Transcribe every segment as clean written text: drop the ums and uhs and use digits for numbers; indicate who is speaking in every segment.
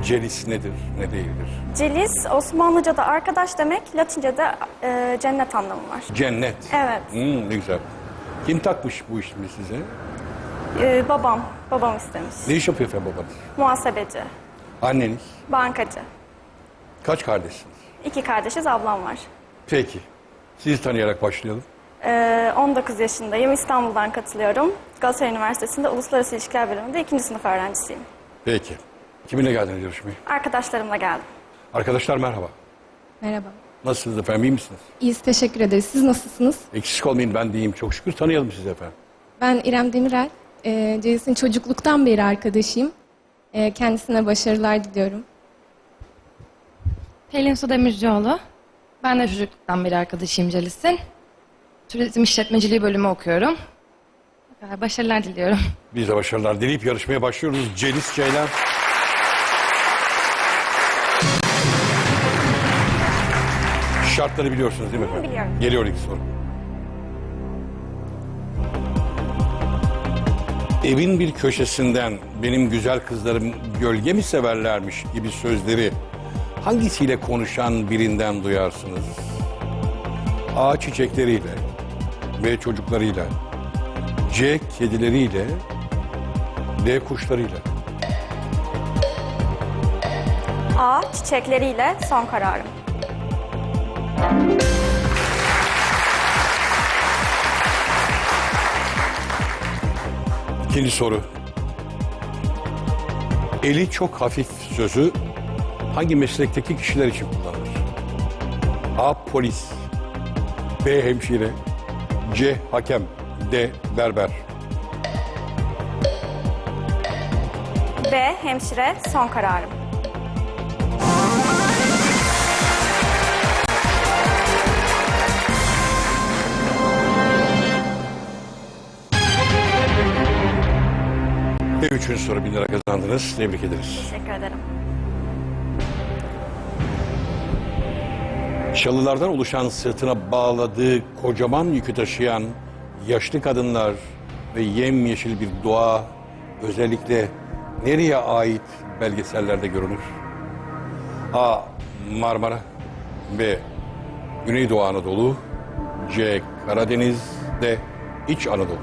Speaker 1: Celis nedir, ne değildir?
Speaker 2: Celis, Osmanlıca'da arkadaş demek, Latince'de cennet anlamı var.
Speaker 1: Cennet.
Speaker 2: Evet.
Speaker 1: Ne güzel. Kim takmış bu ismi size?
Speaker 2: Babam istemiş.
Speaker 1: Ne iş yapıyor efendim babanız?
Speaker 2: Muhasebeci,
Speaker 1: Anneniz?
Speaker 2: bankacı.
Speaker 1: Kaç kardeşsiniz?
Speaker 2: 2 kardeşiz, ablam var.
Speaker 1: Peki. Sizi tanıyarak başlayalım.
Speaker 2: 19 yaşındayım, İstanbul'dan katılıyorum. Galatasaray Üniversitesi'nde Uluslararası İlişkiler Bölümünde 2. sınıf öğrencisiyim.
Speaker 1: Peki. Kiminle geldiniz yarışmaya?
Speaker 2: Arkadaşlarımla geldim.
Speaker 1: Arkadaşlar merhaba.
Speaker 3: Merhaba.
Speaker 1: Nasılsınız efendim, iyi misiniz?
Speaker 3: İyiyiz, teşekkür ederiz. Siz nasılsınız?
Speaker 1: Eksik olmayın, ben de iyiyim çok şükür. Tanıyalım sizi efendim.
Speaker 3: Ben İrem Demirel. Celis'in çocukluktan beri arkadaşıyım. Kendisine başarılar diliyorum.
Speaker 4: Pelin Su Demircioğlu. Ben de çocukluktan beri arkadaşıyım Celis'in. Turizm işletmeciliği bölümü okuyorum. Başarılar diliyorum.
Speaker 1: Biz de başarılar dileyip yarışmaya başlıyoruz. Celis Ceylan. Şartları biliyorsunuz değil mi efendim?
Speaker 2: Biliyorum.
Speaker 1: Geliyor ilk soru. Evin bir köşesinden benim güzel kızlarım gölge mi severlermiş gibi sözleri hangisiyle konuşan birinden duyarsınız? A. Çiçekleriyle, B. Çocuklarıyla, C. Kedileriyle, D. Kuşlarıyla.
Speaker 2: A. Çiçekleriyle son kararım.
Speaker 1: İkinci soru. Eli çok hafif sözü hangi meslekteki kişiler için kullanılır? A. Polis, B. Hemşire, C. Hakem, D. Berber.
Speaker 2: B. Hemşire son kararım.
Speaker 1: Ve üçüncü soru 1000 lira kazandınız. Tebrik ederiz.
Speaker 2: Teşekkür ederim.
Speaker 1: Çalılardan oluşan sırtına bağladığı kocaman yükü taşıyan yaşlı kadınlar ve yemyeşil bir doğa özellikle nereye ait belgesellerde görünür? A. Marmara, B. Güneydoğu Anadolu, C. Karadeniz, D. İç Anadolu.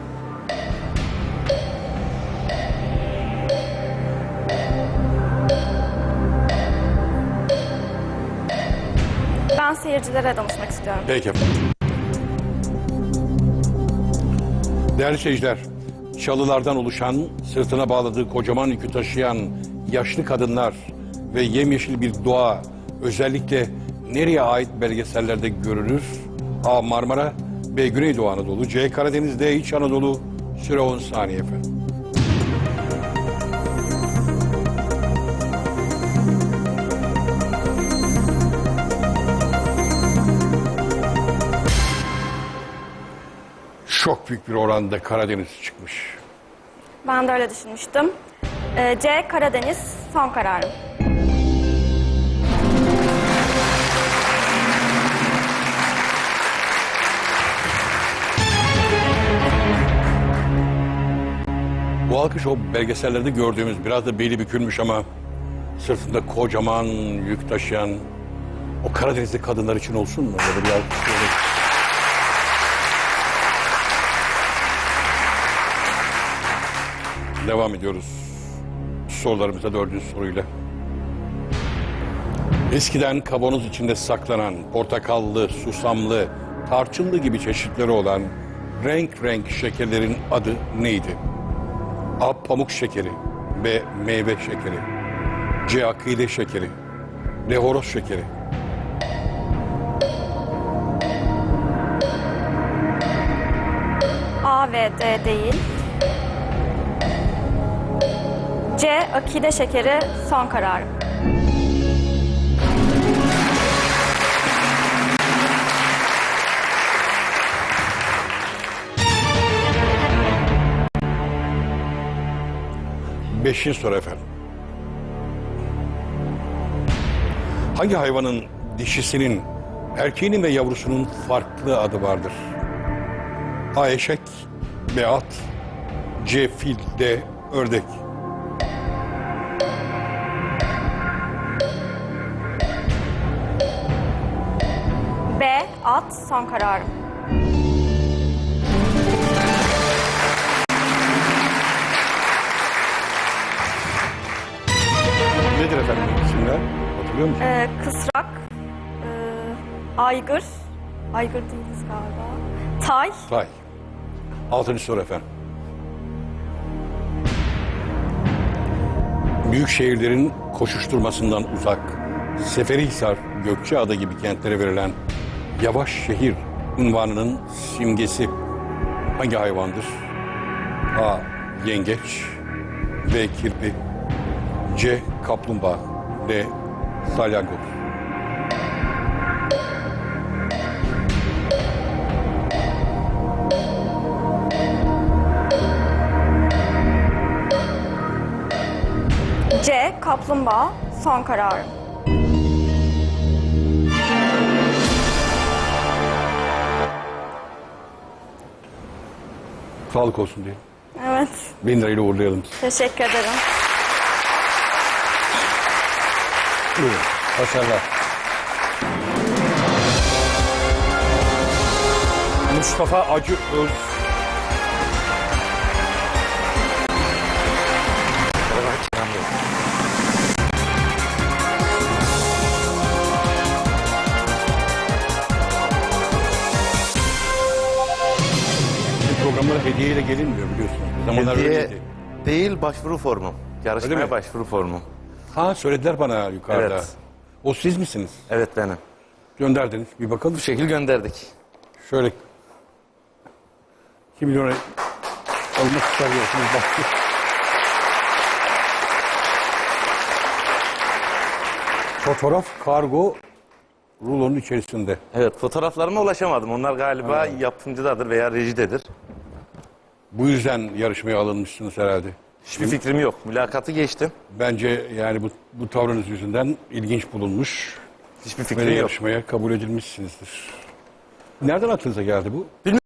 Speaker 2: Ben seyircilere danışmak istiyorum.
Speaker 1: Peki efendim. Değerli seyirciler, çalılardan oluşan, sırtına bağladığı kocaman yükü taşıyan yaşlı kadınlar ve yemyeşil bir doğa özellikle nereye ait belgesellerde görülür? A. Marmara, B. Güneydoğu Anadolu, C. Karadeniz, D. İç Anadolu. Süre 10 saniye efendim. Çok büyük bir oranda Karadeniz çıkmış.
Speaker 2: Ben de öyle düşünmüştüm. C. Karadeniz son kararım.
Speaker 1: Bu alkış o belgesellerde gördüğümüz biraz da beli bükülmüş ama sırtında kocaman yük taşıyan o Karadenizli kadınlar için olsun mu? Böyle bir alkış böyle. Devam ediyoruz sorularımıza 4. soruyla. Eskiden kavanoz içinde saklanan portakallı, susamlı, tarçınlı gibi çeşitleri olan renk renk şekerlerin adı neydi? A. Pamuk şekeri, B. Meyve şekeri, C. Akide şekeri, D. Horoz şekeri.
Speaker 2: A ve D değil. C. Akide şekeri son kararım.
Speaker 1: Beşinci soru efendim. Hangi hayvanın dişisinin, erkeğinin ve yavrusunun farklı adı vardır? A. Eşek, B. At, C. Fil, D. Ördek.
Speaker 2: Fuat, son kararım.
Speaker 1: Nedir efendim isimler? Hatırlıyor musun?
Speaker 2: Kısrak, Aygır, Aygır değiliz galiba. Tay,
Speaker 1: Tay. 6. soru efendim. Büyük şehirlerin koşuşturmasından uzak, Seferihisar, Gökçeada gibi kentlere verilen yavaş şehir unvanının simgesi hangi hayvandır? A. Yengeç, B. Kirpi, C. Kaplumbağa, D. Salyangoz.
Speaker 2: C. Kaplumbağa, son kararım.
Speaker 1: Sağlık olsun diye.
Speaker 2: Evet,
Speaker 1: 1000 lirayla uğurlayalım.
Speaker 2: teşekkür ederim.
Speaker 1: Buyurun. Başarılar. Mustafa Acı Öz. Bu programlara hediyeyle gelinmiyor biliyorsun. Bir zamanlar
Speaker 5: Hediye
Speaker 1: öyleydi.
Speaker 5: değil, başvuru formum.
Speaker 1: Öyle
Speaker 5: Yarışmaya
Speaker 1: mi?
Speaker 5: başvuru formum.
Speaker 1: Ha söylediler bana yukarıda.
Speaker 5: Evet.
Speaker 1: O siz misiniz?
Speaker 5: Evet, benim.
Speaker 1: Gönderdiniz. Bir bakalım.
Speaker 5: Bu şekil gönderdik.
Speaker 1: Şöyle 2 milyona almak istiyorsunuz. Bak. Fotoğraf kargo rulonun içerisinde.
Speaker 5: Evet, fotoğraflarıma ulaşamadım. Onlar galiba yapımcıdadır veya rejidedir.
Speaker 1: Bu yüzden yarışmaya alınmışsınız herhalde.
Speaker 5: Hiçbir fikrim yok. Mülakatı geçtim.
Speaker 1: Bence yani bu tavrınız yüzünden ilginç bulunmuş
Speaker 5: Hiçbir
Speaker 1: ve
Speaker 5: fikrim yok.
Speaker 1: yarışmaya kabul edilmişsinizdir. Nereden aklınıza geldi bu?